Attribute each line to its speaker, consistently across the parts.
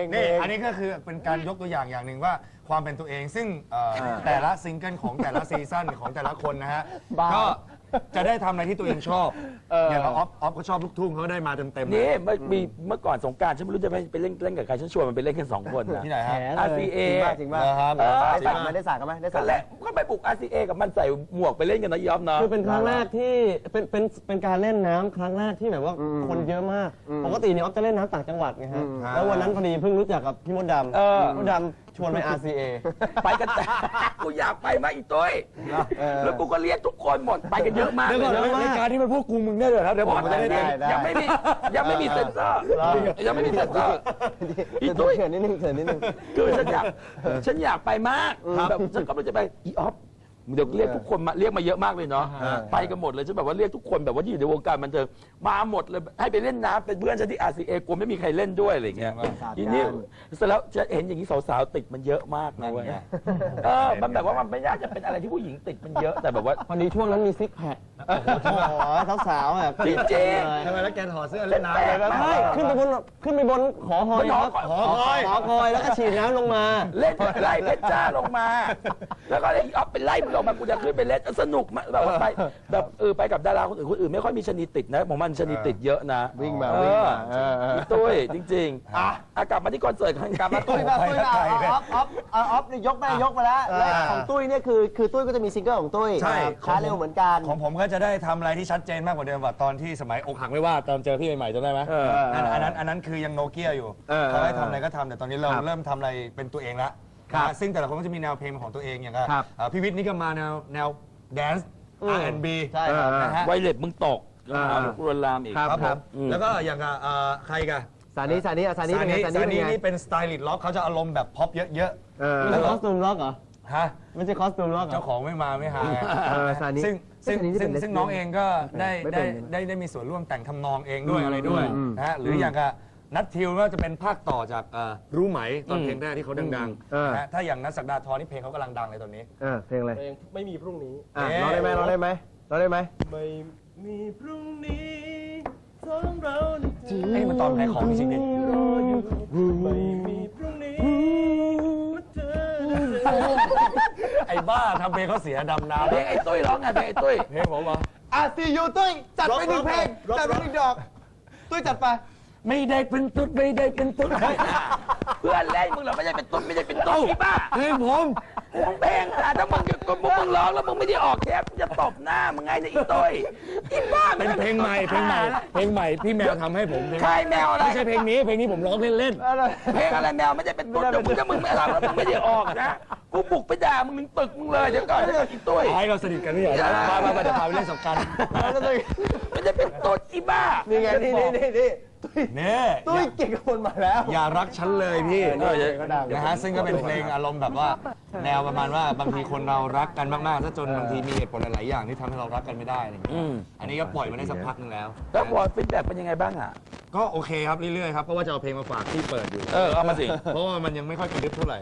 Speaker 1: นี่อันนี้ก็คือเป็นการยกตัวอย่างอย่างหนึ่งว่าความเป็นตัวเองซึ่งแต่ละซิงเกิลของแต่ละซีซั่นของแต่ละคนนะฮะก็จะได้ทำอะไรที่ตัวเองชอบอย่างเราออฟก็ชอบลูกทุ่งเขาได้มาเต็มๆ
Speaker 2: นี่เมื่อก่อนสงกรานต์ฉันไม่รู้จะไปเล่นกับใครฉันชวนมันไปเล่นกัน2 คนนะ
Speaker 1: ที่ไหนฮะ
Speaker 2: RCA
Speaker 3: จริงป่ะ
Speaker 1: ครับ
Speaker 3: ได้สากันไหมได้สา
Speaker 2: ก็แหละก็ไปปลุก RCA กับมันใส่หมวกไปเล่นกันนะยอมเนาะ
Speaker 4: คือเป็นครั้งแรกที่เป็นการเล่นน้ำครั้งแรกที่แบบว่าคนเยอะมากปกติเนี่ยออฟจะเล่นน้ำต่างจังหวัดไงฮะแล้ววันนั้นพอดีเพิ่งรู้จักกับพี่มดดำมดดำชวนไป RCA
Speaker 2: ไปกันแต่กูอยากไปมาอีกตัวแล้วกูก็เรียกทุกคนหมดไปกันเยอะมาก
Speaker 1: เดี๋ยวก่อนรายการที่มันพวกกูมึงได้เลยครับเดี๋ยวผมจะได้
Speaker 2: ยังไม่มีเซ็นเซอร์ยังไม่มีเซ็นเซอร์อี
Speaker 3: ตุ้
Speaker 2: ตุ้
Speaker 3: ย
Speaker 2: ย
Speaker 3: เขินนิดนึง
Speaker 2: คือฉันอยากไปมากแบบฉันก็ไม่จะไปอีออฟเดี๋ยวเรียกทุกคนมาเรียกมาเยอะมากเลยเนาะไปกันหมดเลยฉันแบบว่าเรียกทุกคนแบบว่าที่อยู่ในวงการบันเทิงมาหมดเลยให้ไปเล่นน้ำเป็นเพื่อนฉันที่ RCA กลัวไม่มีใครเล่นด้วยอะไรอย่างเงี้ยทีนี้เสร็จแล้วจะเห็นอย่างนี้สาวๆติดมันเยอะมากนะเว้ยมันแบบว่ามันไม่น่าจะเป็นอะไรที่ผู้หญิงติดมันเยอะแต่แบบว่า
Speaker 4: พอดีช่วงนั้นมีซิกแพคโอ้โหสาวๆอ่ะ
Speaker 2: จริง
Speaker 1: ทำไมแล้วแกถอดเสื้อเล่นน้ำเลย
Speaker 4: ใช่ขึ้นไปบนหอคอยแล้วก็ฉีดน้ำลงมา
Speaker 2: เล่นไล่เพชรจ้าลงมา แล้วก็ไอ้ออฟเป็นไล่มึงลงมากูจะขึ้นไปเล่นสนุกมากแบบว่าไปแบบไปกับดาราคนอื่นไม่ค่อยมีชนีติดนะผมมันชนีติดเยอะนะ
Speaker 3: วิ่งมา
Speaker 2: ตุ้ยจริงๆกลับมาที่คอนเสิร์ตกลับมาตุ้ย
Speaker 3: ออฟยกไปแล้วของตุ้ยเนี่ยคือตุ้ยก็จะมีซิงเกิลของตุ้ยช้าเร็วเหมือนกัน
Speaker 1: ของผมก็จะได้ทำอะไรที่ชัดเจนมากกว่าเดิมว่าตอนที่สมัยอกหักไม่ว่าตอนเจอพี่ใหม่ๆจำได้ไหมอันนั้นคือยังโนเกียอยู่เขาให้ทำอะไรก็ทำแต่ตอนนี้เราเริ่มทำอะไรเป็นตัวเองแล้วซึ่งแต่ละคนก็จะมีแนวเพลงของตัวเองอย่างพี่วิทย์นี่ก็มาแนวแดนซ์ R&B
Speaker 3: ใช่ครับ
Speaker 1: นะฮะ
Speaker 2: ไวเล็บมึงตกรวนลามอีก
Speaker 1: ครับผมแล้วก็อย่างใครกัน
Speaker 3: สานีเป็นไง
Speaker 1: ซานีนี่เป็นสไตลิสต์ล็อกเขาจะอารมณ์แบบพ็อปเยอะๆ
Speaker 4: ไม่ใช่คอสตูมล็อกเหรอ
Speaker 1: ฮะ
Speaker 4: ไม่ใช่คอสตูมล็อกเหรอ
Speaker 1: เจ้าของไม่มาไม่หาไง
Speaker 3: ซานี
Speaker 1: ซึ่งน้องเองก็ได้มีส่วนร่วมแต่งทำนองเองด้วยอะไรด้วยนะฮะหรืออย่างกับนัททิวก็จะเป็นภาคต่อจากรู้ไหมตอนเพลงแรกที่เขาดังๆนะฮะถ้าอย่างนัทศักดาธรนี่เพลงเขากำลังดังเลยตอนนี้
Speaker 3: เพลงอะไร
Speaker 4: ไม่มีพรุ่งนี้
Speaker 3: ร้องได้ไหม
Speaker 4: ไม่มีพรุ่งนี้สองเรา
Speaker 1: ไอ้มันตอนขายของจริงๆดิ
Speaker 4: รออยู่ไม่มีพรุ่งนี้เธอ
Speaker 1: ไอ้บ้าทำเพลงเขาเสียดำน้ำ
Speaker 2: เพลงไอ้ตุ้ยร้องไงเพลงไอ้ตุ้ย
Speaker 1: เพลงผมเหรอ
Speaker 3: ซียูตุ้ยจัดไป1 เพลงจัดไป1 ดอกตุ้ยจัดไป
Speaker 2: ไม่ได้เป็นตุ๊ดไม่ได้เป็นตุ๊ดเพื่อนเล่นมึงเหรอไม่ได้เป็นตุ๊ดไม่ได้เป็นตุ๊ดอีบ้า
Speaker 1: เพลงผม
Speaker 2: มึงเพลงอ่ะถ้ามึงร้องแล้วมึงไม่ได้ออกแคปจะตบหน้ามึงไงเนี่ยอีตุ้ยอีบ้า
Speaker 1: เป็นเพลงใหม่พี่แมวทำให้ผม
Speaker 2: ใครแมวอะไร
Speaker 1: ไม่ใช่เพลงนี้ผมร้องเล่น
Speaker 2: เพลงอะไรแมวไม่ได้เป็นตุ๊ดถ้ามึงไม่ร้องแล้วมึงไม่ได้ออกนะกูบุกไปด่ามึงถึงตึกมึงเลยเดี๋ยวก่อนอีตุ้ย
Speaker 1: ๆให้เราสนิทกันนี่เหรอมาเดี๋ยวพาไปเล่นสงกรานต์
Speaker 2: ไม่ได้เป็นตุ๊ดอีบ้า
Speaker 3: นี่ไงนี่
Speaker 1: นี่
Speaker 3: ตุ้ยเก่งกับคนมาแล้ว
Speaker 1: อย่ารักฉันเลยพี่
Speaker 3: ก็ดัง
Speaker 1: นะฮะซึ่งก็เป็นเพลงอารมณ์แบบว่าแนวประมาณว่าบางทีคนเรารักกันมากๆถ้าจนบางทีมีเหตุผลหลายๆอย่างที่ทำให้เรารักกันไม่ได้อะไรอย่างเงี้ยอันนี้ก็ปล่อยมาได้สักพักนึงแล้ว
Speaker 2: แล้วพอฟีดแบ็กเป็นยังไงบ้างอ่ะ
Speaker 1: ก็โอเคครับเรื่อยๆครับเพราะว่าจะเอาเพลงมาฝากที่เปิดอยู่
Speaker 2: เอามาสิ
Speaker 1: เพราะว่ามันยังไม่ค่อยกระดึ๊บเท่าไหร่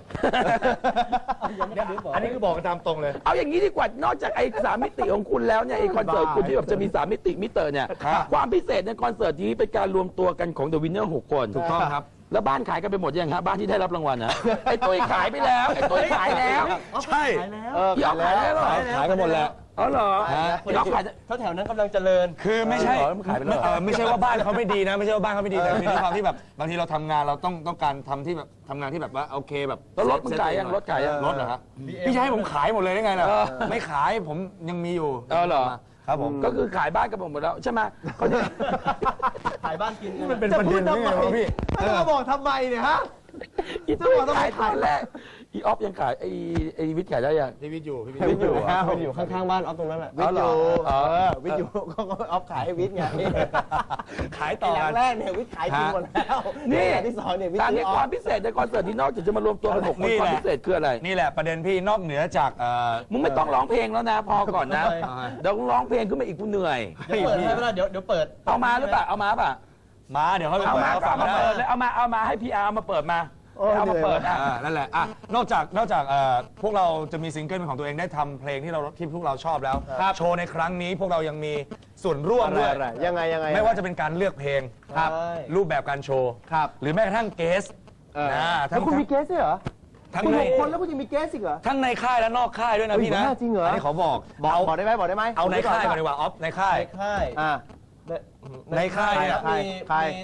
Speaker 1: อันนี้คือบอกกันตามตรงเลย
Speaker 2: เอาอย่างนี้ดีกว่านอกจากไอ้3 มิติของคุณแล้วเนี่ยไอ้คอนเสิร์ตคุณที่แบบจะมี3 มิติมิเตอร์เนี่ยความพิเศษในคอนเสิร์ตนี้เป็นการรวมตัวกันของ The Winner 6 คน
Speaker 1: ถูกต้องครับ
Speaker 2: แล้วบ้านขายกันไปหมดยังฮะบ้านที่ได้รับรางวัลนะไอ้ตุ้ยขายไปแล้วไอ้ตุ้ยขายแล้ว
Speaker 1: ใช่
Speaker 2: พี่ออฟขายแล้วเหรอ
Speaker 1: ขายกันหมดแล้ว
Speaker 2: อ๋อเหรอพี่ออฟขาย
Speaker 4: แถวนั้นกำลังเจริญ
Speaker 1: คือไม่ใช่
Speaker 2: มันขายไปแล้วเหรอ
Speaker 1: ไม่ใช่ว่าบ้านเขาไม่ดีนะไม่ใช่ว่าบ้านเขาไม่ดีแต่คือด้วยความที่แบบบางทีเราทำงานเราต้องการทำที่แบบทำงานที่แบบว่าโอเคแบบ
Speaker 2: แล้วรถมึงขายยังรถขายยัง
Speaker 1: รถเหรอครับพี่จะให้ผมขายหมดเลยได้ไงล่ะไม่ขายผมยังมีอยู่
Speaker 2: เหรอ
Speaker 1: ครับผม
Speaker 2: ก็คือขายบ้านกันหมดแล้วใช่ไหม
Speaker 4: ขายบ้านกิน
Speaker 1: มันเป็นประเด็นได้ไงวะพี่
Speaker 3: จะมาบอกทำไมเนี่ยฮะ
Speaker 2: อีตุ้ยขายตอนแรกอีออฟยังขายไอ้วิทย์ขายได้ยัง
Speaker 1: พี่วิทย์อยู่พี่
Speaker 3: วิทย์อยู่
Speaker 4: อยู่ข้างๆบ้านออฟตรงนั้นแหละ
Speaker 3: วิทย์อยู่วิทย์อยู่ก็ออฟขายให้วิทย์ไง
Speaker 1: ขายต่อ
Speaker 3: อ
Speaker 1: กั
Speaker 3: ย่าง
Speaker 1: น
Speaker 3: แรกเนี่ยวิทย์ขายทิ้งหมดแล้วอย่างที่2เนี่ยวิทย์
Speaker 2: ตาม
Speaker 3: ซื้
Speaker 2: นี้
Speaker 3: ออ
Speaker 2: ค
Speaker 3: อ
Speaker 2: วา
Speaker 3: ฟ
Speaker 2: มพิเศษในคอนเสิร์ตที่นอกจากจะมารวมตัวกัน6 คนความพิเศษคืออะไร
Speaker 1: นี่แหละประเด็นพี่นอกเหนือจาก
Speaker 2: มึงไม่ต้องร้องเพลงแล้วนะพอก่อนนะเดี๋ยวร้องเพลงขึ้นมาอีกกูเหนื่อย
Speaker 4: เปิดให้เวลาเดี๋ยวเปิด
Speaker 2: เอามาหรือเปล่าเอามาป่ะ
Speaker 1: มาเดี๋ยวเขา
Speaker 2: เอามา
Speaker 1: ฟั
Speaker 2: เอา
Speaker 1: ง
Speaker 2: มา
Speaker 1: ได้
Speaker 2: เปิดเลยเอามาให้พีอาร์มาเปิดมาเอามาเปิดอ่ะ
Speaker 1: นั่นแหละนอกจากพวกเราจะมีซิงเกิลเป็นของตัวเองได้ทำเพลงที่พวกเราชอบแล้วโชว์ในครั้งนี้พวกเรายังมีส่วนร่วมด้วย
Speaker 3: ยังไง
Speaker 1: ไม่ว่าจะเป็นการเลือกเพลงรูปแบบการโชว์หรือแม้กระทั่งเกส
Speaker 3: แล้วคุณมีเกสด้วยเหรอ
Speaker 1: ทั้ง
Speaker 3: คุณ
Speaker 1: ใน
Speaker 3: 6 คนแล้วคุณยังมีเกสอีกเหรอ
Speaker 1: ทั้งในค่ายและนอกค่ายด้วยนะพี่นะ
Speaker 3: บ้าจริงเหรออั
Speaker 1: นนี้ขอบอก
Speaker 3: บอกได้ไหมบอกได้ไหม
Speaker 1: เอาในค่ายก่อนดีกว่าออฟในค่าย
Speaker 4: ค่าย
Speaker 3: อ่า
Speaker 1: ในค่ายเนี่ย
Speaker 3: ใคร
Speaker 4: มี
Speaker 3: ใคร
Speaker 4: มี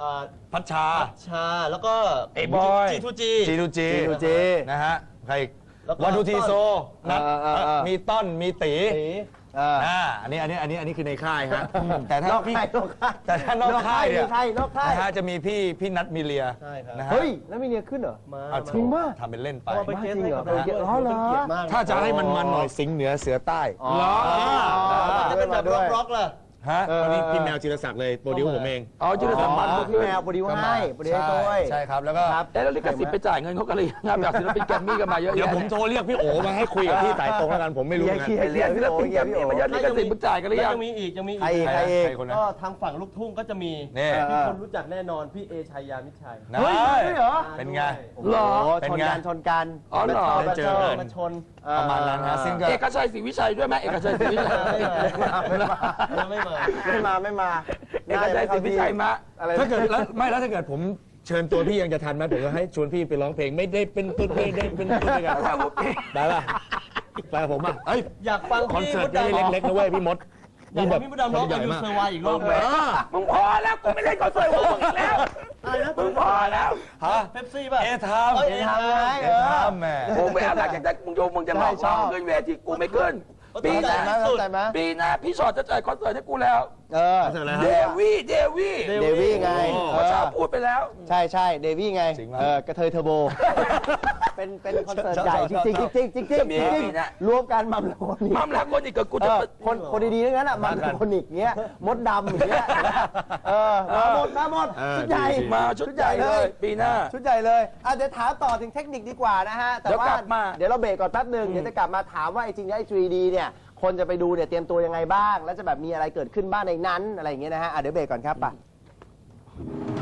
Speaker 1: พัชชา
Speaker 4: ชาแล้วก็
Speaker 2: ไอ้บอย
Speaker 4: G2G
Speaker 1: G2G นะฮะใคร
Speaker 4: แล้วก็
Speaker 1: วันดูทีโซนัด
Speaker 3: มี
Speaker 1: มีต้นมีตี
Speaker 4: ตี
Speaker 1: อันนี้คือในค่ายฮะแต่ถ้าน
Speaker 3: อก
Speaker 1: พี่
Speaker 3: ค่ายนอกค่าย
Speaker 1: แต่ถ้านอกค่ายเนี่ย
Speaker 3: มีใครนอกค่าย
Speaker 1: นะฮะจะมีพี่นัทมีเลีย
Speaker 4: ใช่ครับ
Speaker 1: นะฮะ
Speaker 3: เฮ้ยแล้วมีเนียขึ้นเหรอ
Speaker 4: มา
Speaker 1: เอา
Speaker 3: จริงป่ะ
Speaker 1: ทำเป็นเล่นไป
Speaker 4: เอาไปเกสให้กับ
Speaker 3: จริงเหรอ
Speaker 4: เราด้วย
Speaker 3: อ๋อเหรอ
Speaker 4: เป็นเกียรติมาก
Speaker 1: ถ้าจะให้มันหน่อยสิงห์เหนือเสือใต้
Speaker 2: เหรอ
Speaker 4: จะเป็นแบบร็อกๆล่ะ
Speaker 1: ฮะตอนนี้พี่แมวจิรศักดิ์เลยโปรดิวผมเอง
Speaker 2: อ๋อจุลศักดิ์มัน
Speaker 3: พี่แมวโปรดิวให้โปรดิวให้ด้วย
Speaker 1: ใช่ครับแล้วก็
Speaker 2: แล้วลิขสิทธิ์ไปจ่ายเงินเขากันเลยงานแบบศิลปินแกรมมี่กันมาเยอะ
Speaker 1: เดี๋ยว
Speaker 2: แยะ
Speaker 1: ผมโทรเรียกพี่โอมาให้คุยกับพี่สายตรงแล้วกันผมไม่รู้เหมือนกัน
Speaker 3: เคลียร์
Speaker 2: เรียกศิลปินแกรมมี่มาเยอะลิขสิทธิ์มึงจ่ายกันหรือ
Speaker 4: แล้ว
Speaker 2: ยัง
Speaker 4: ยังมีอีกยังมีอีก
Speaker 3: ใครอีก
Speaker 1: ใครคนนั้น
Speaker 4: ก็ทางฝั่งลูกทุ่งก็จะมี
Speaker 1: นี่
Speaker 4: ที่คนรู้จักแน่นอนพี่เอชัยยามิตรชัย
Speaker 1: นะ
Speaker 3: เฮ้ยใช่เหรอ
Speaker 1: เป็นไง
Speaker 2: เหรอ
Speaker 3: โอ้
Speaker 1: เป็น
Speaker 3: ชน
Speaker 1: ไง
Speaker 3: กันชนกัน
Speaker 2: อ๋อเหรอ
Speaker 3: มา
Speaker 1: ได้เจอกัน
Speaker 4: มาชน
Speaker 1: ประมาณนั้นฮะซึ่งก็
Speaker 2: เอกชัยศรีวิชัยด้วยไหมเอกชัยศรีวิชัย
Speaker 4: ไม่มา
Speaker 3: ไม่มา
Speaker 2: เอกชัยศรีวิชัยมา
Speaker 3: อะไร
Speaker 1: ถ้าเกิดแล้วถ้าเกิดผมเชิญตัวพี่ยังจะทันไหมผมก็ให้ชวนพี่ไปร้องเพลงไม่ได้เป็นต้นไม่ได้เป็นต้นด้วยกันได้ป่ะไปกับผมอ่ะเอ้ย
Speaker 4: อยากฟัง
Speaker 1: คอน
Speaker 4: พี่
Speaker 1: เสิร์
Speaker 4: ม
Speaker 1: ต
Speaker 4: ด
Speaker 1: ไม่
Speaker 4: ดำ
Speaker 1: ได้เล็กๆนะเว้ยพี่มด
Speaker 4: อยากให้พี่มดดำร้องอายุเซอร์ไวอีกรอบไหม
Speaker 2: มึงพอแล้วกูไม่เล่นคอนเสิร์ตของมึงอีกแล้ว
Speaker 4: อะไรนะ
Speaker 2: มึงพอแล้ว
Speaker 1: ฮะ
Speaker 4: เป๊ปซี่ป่ะ
Speaker 1: เอทาม
Speaker 4: เอ้ย
Speaker 3: เอทามไง
Speaker 1: เอทามแหม่
Speaker 2: ผมไม่เอาหลักจากนั้นมึงโยมมึงจะหลอก
Speaker 3: ใช่ชอบ
Speaker 2: ขึ้นเวทีกูไม่ขึ้น ปี
Speaker 3: เข้า
Speaker 2: ห
Speaker 3: ใจ
Speaker 2: น้า
Speaker 3: ไหมเข้าใจไหม
Speaker 2: ปีหน้าพี่ชอตจะจ่ายคอนเสิร์ตให้กูแล้ว
Speaker 3: เออ
Speaker 1: เสร็จแล้ว
Speaker 2: เด
Speaker 1: ฮะ
Speaker 2: วี่
Speaker 3: เดวี่ไง
Speaker 2: เมื่อเช้าพูดไปแล้ว
Speaker 3: ใช่เดวี่ไง
Speaker 1: จริงปะ
Speaker 3: กระเทยเทอร์โบ เป็นคอนเสิร์ตใหญ่จริงๆจริงรวมกันมัมโลนิก
Speaker 2: มัมแล้วคนอีกกับกูจะ
Speaker 3: คนดีๆทั้งนั้นอ่ะมัมโลนิกเงี้ยมดดำอย่างเงี้ยมาหมดชุดใหญ่
Speaker 2: มาชุดใหญ่เลย ปีหน้า
Speaker 3: ชุดใหญ่เลยเดี๋ยวถามต่อถึงเทคนิคดีกว่านะฮะแต่ว่า
Speaker 2: เดี๋ยวกลับมา
Speaker 3: เดี๋ยวเราเบรกก่อนแป๊บหนึ่งเดี๋ยวจะกลับมาถามว่าไอ้จริงๆไอ้ 3D เนี่ยคนจะไปดูเนี่ยเตรียมตัวยังไงบ้าง แล้วจะแบบมีอะไรเกิดขึ้นบ้างในนั้นอะไรอย่างเงี้ยนะฮะเดี๋ยวเบรกก่อนครับป่ะ